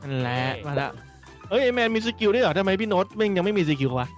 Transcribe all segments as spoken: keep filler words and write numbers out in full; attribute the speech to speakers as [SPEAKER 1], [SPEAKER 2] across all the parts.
[SPEAKER 1] นั่นแหละมาละเฮ้ยไอแมนมีสกิลด้วยเหรอทำไมพี่โน้ตมึงยังไม่มีสกิลวะ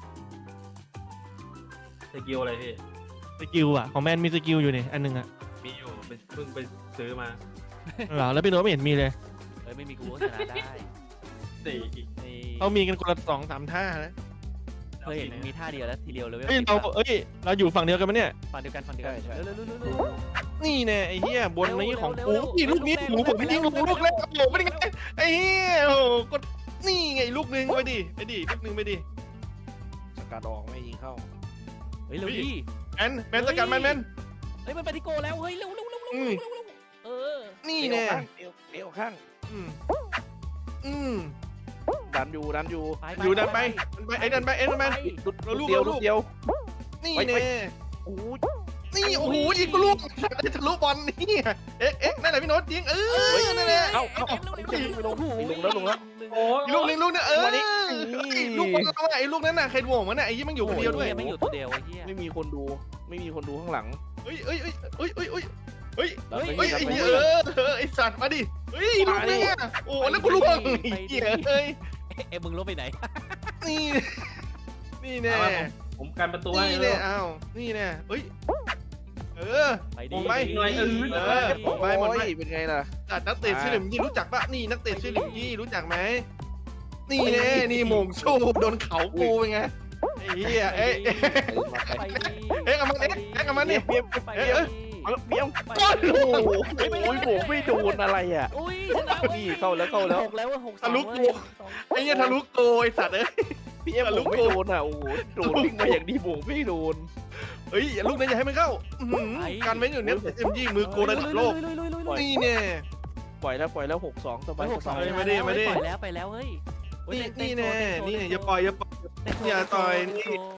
[SPEAKER 2] สกิลอะไรพี่
[SPEAKER 1] สกิลอะของแมนมีสกิลอยู่นี่อันหนึงอะ
[SPEAKER 2] มีอยู่เป็นเพิ่งไปซื้อมา
[SPEAKER 1] เหรอแล้วพี่โน้ตไม่เห็นมีเลย
[SPEAKER 3] เอ้ยไม่มีกูก็ชนะได้
[SPEAKER 2] สี่อีก
[SPEAKER 3] นี่
[SPEAKER 1] เขามีกันคนละสองสามท่านะ
[SPEAKER 3] เคยเห็นมีท่าเดียวแล้วทีเดียวเลย
[SPEAKER 1] เฮ้ยเราเอ้ยเราอยู่ฝั่งเดียวกันไหมเนี่ย
[SPEAKER 3] ฝั่งเดียวกันฝั่งเดียวกัน
[SPEAKER 4] ใช่ใช่
[SPEAKER 3] เร็วเร็วเร็วเร็ว
[SPEAKER 1] นี่แน่ไอ้เหี้ยบนนี้ของ
[SPEAKER 3] เร็ว
[SPEAKER 1] กู
[SPEAKER 3] เร็ว
[SPEAKER 1] นี่ลูกนี้
[SPEAKER 3] เร็ว
[SPEAKER 1] หนูผม
[SPEAKER 3] เร็ว
[SPEAKER 1] ยิงลูก
[SPEAKER 3] เร็ว
[SPEAKER 1] ลูกแรก
[SPEAKER 3] เร็ว
[SPEAKER 1] โอ้โหเป็นไงไอ้เหี้ยโอ้โหกดนี่ไงลูกนึงไปดิไปดิลูกนึงไปดิ
[SPEAKER 4] สกัดออกไม่ยิงเข้า
[SPEAKER 3] เฮ้ยเร็ว
[SPEAKER 1] เฮ้ย
[SPEAKER 3] ดิ
[SPEAKER 1] แมนแมนสกัดแมนแมน
[SPEAKER 3] เฮ้ยมันไปที่โกแล้วเฮ้ยเร็วเร็วเร็วเร็ว
[SPEAKER 1] อืม
[SPEAKER 3] เร็วเร็วเออ
[SPEAKER 1] นี่
[SPEAKER 4] เอว
[SPEAKER 1] แน่
[SPEAKER 4] ข้างเอวเอวข้าง
[SPEAKER 1] อืมอืม
[SPEAKER 4] ดันอยู่ดันอยู่
[SPEAKER 3] ไป
[SPEAKER 1] อยู่ดันไปดันไปไอ้ดันไปไอ้ดันไป
[SPEAKER 4] ลุด
[SPEAKER 1] เราลูก
[SPEAKER 4] เดียว
[SPEAKER 1] เราลู
[SPEAKER 4] ลุ
[SPEAKER 1] ก
[SPEAKER 4] ดเดียว
[SPEAKER 1] นี่
[SPEAKER 4] ไปไป
[SPEAKER 1] แน่
[SPEAKER 4] โอ้ย
[SPEAKER 1] นี่โอ้โหยิงกูลูกได้ทะลุบอลนี่เอ๊ะเอ๊ะนั่นแหละพี่โน้ตยิงเออนั่นแหละ
[SPEAKER 4] เอ้าเอ้า
[SPEAKER 3] เร็วเร็ว
[SPEAKER 4] ไม่
[SPEAKER 3] เร็ว
[SPEAKER 4] ลงไม่ลงแล้วลงแล้ว
[SPEAKER 2] โอ้ย
[SPEAKER 1] อีกลูกนึงลูกนึงเออ
[SPEAKER 4] วันนี้
[SPEAKER 1] ไอ้ลูกบอลเราอะไอ้ลูกนั้นน่ะใครโหม่งมันน่ะไอ้ยี่มันอยู่คนเดียวด้วย
[SPEAKER 3] ไม่อยู่ตัวเดียวไอ้เหี้ย
[SPEAKER 4] ไม่มีคนดู ไม่มีคนดูข้างหลัง
[SPEAKER 1] เฮ้ยเฮ้ยเฮ้ยเฮ้ยเฮ้ยเฮ้ยเฮ้ย
[SPEAKER 4] ดันไป
[SPEAKER 1] เฮ้ย
[SPEAKER 4] ดั
[SPEAKER 1] ไอ้
[SPEAKER 4] นไป
[SPEAKER 1] เหี้ยเออเออไอ้สัตว์มาดิเฮ้ยลูกนี้อ่ะโอ้แล้วกูล่วงไอ้เหี้ยเอ้ย
[SPEAKER 3] เอ้มึงลบไปไหน
[SPEAKER 1] นี่นี่แน่
[SPEAKER 2] เอามาผมผมกันประตูให้
[SPEAKER 1] นี่
[SPEAKER 2] เล
[SPEAKER 1] แน่
[SPEAKER 2] ย
[SPEAKER 1] อ้าวนี่แน่เฮ้ยเออ
[SPEAKER 3] ไป
[SPEAKER 1] ม
[SPEAKER 3] ดิ
[SPEAKER 1] องไป
[SPEAKER 2] หน่อยเออ
[SPEAKER 1] เออมองไปมองไป
[SPEAKER 4] โอ้ยเป็นไงล่ะ
[SPEAKER 1] อ่ะนักเตะชื่อหลิมยี่รู้จักปะนี่นักเตะชื่อหลิมยี่รู้จักไหมนี่แน่นี่โมงชูโดนเขากูเป็นไงไอ้เหี้ยเอ้ย
[SPEAKER 4] เออมาไป
[SPEAKER 3] ไปดิ
[SPEAKER 1] เอ๊ะเอามันเอ๊ะเอ๊ะเอามันนี่
[SPEAKER 4] เบี้ยม
[SPEAKER 3] ไป
[SPEAKER 4] เบี้ยม
[SPEAKER 3] ดิ
[SPEAKER 4] เอาเบี้ยม
[SPEAKER 3] ไป
[SPEAKER 1] ก้อน
[SPEAKER 3] ดิ
[SPEAKER 1] ลูก
[SPEAKER 4] โอ้โหโอ้ยโหไม่โดนอะไรอ่ะ
[SPEAKER 3] อุ้ยชนะว้ย
[SPEAKER 4] นี่เข้าแล้วเข้าแล้ว
[SPEAKER 3] หกแล้วหกสอง
[SPEAKER 1] ทะลุกู
[SPEAKER 3] เว้ยสอง
[SPEAKER 1] ไอ้เหี้ยทะลุโกไอ้สัตว์เอ้ย
[SPEAKER 4] พี่เอ็มผมไม่โดนอ่ะโอ้โหโดนวิ่งมาอย่างดีผมไม่โดน
[SPEAKER 1] เฮ้ยอย่าลูกนั้นอย่าให้มันเข้าอื้อหือการเว้นอยู่เนี่ยเอ็มยี่มือโกระดับโลก
[SPEAKER 3] ลุยลุยลุยลุยลุย
[SPEAKER 1] นี่แน่
[SPEAKER 4] ปล่อยแล้วปล่อยแล้วหกสองสบาย
[SPEAKER 3] หก
[SPEAKER 4] ส
[SPEAKER 3] สอง
[SPEAKER 4] บาย
[SPEAKER 1] ไม่ได้ไม่ได้
[SPEAKER 3] ปล่อยแล้วไปแล้วเฮ้ย
[SPEAKER 1] นี่นี่แน่นี่อย่าปล่อยอย่าปล่อยอย่าต่อยนี่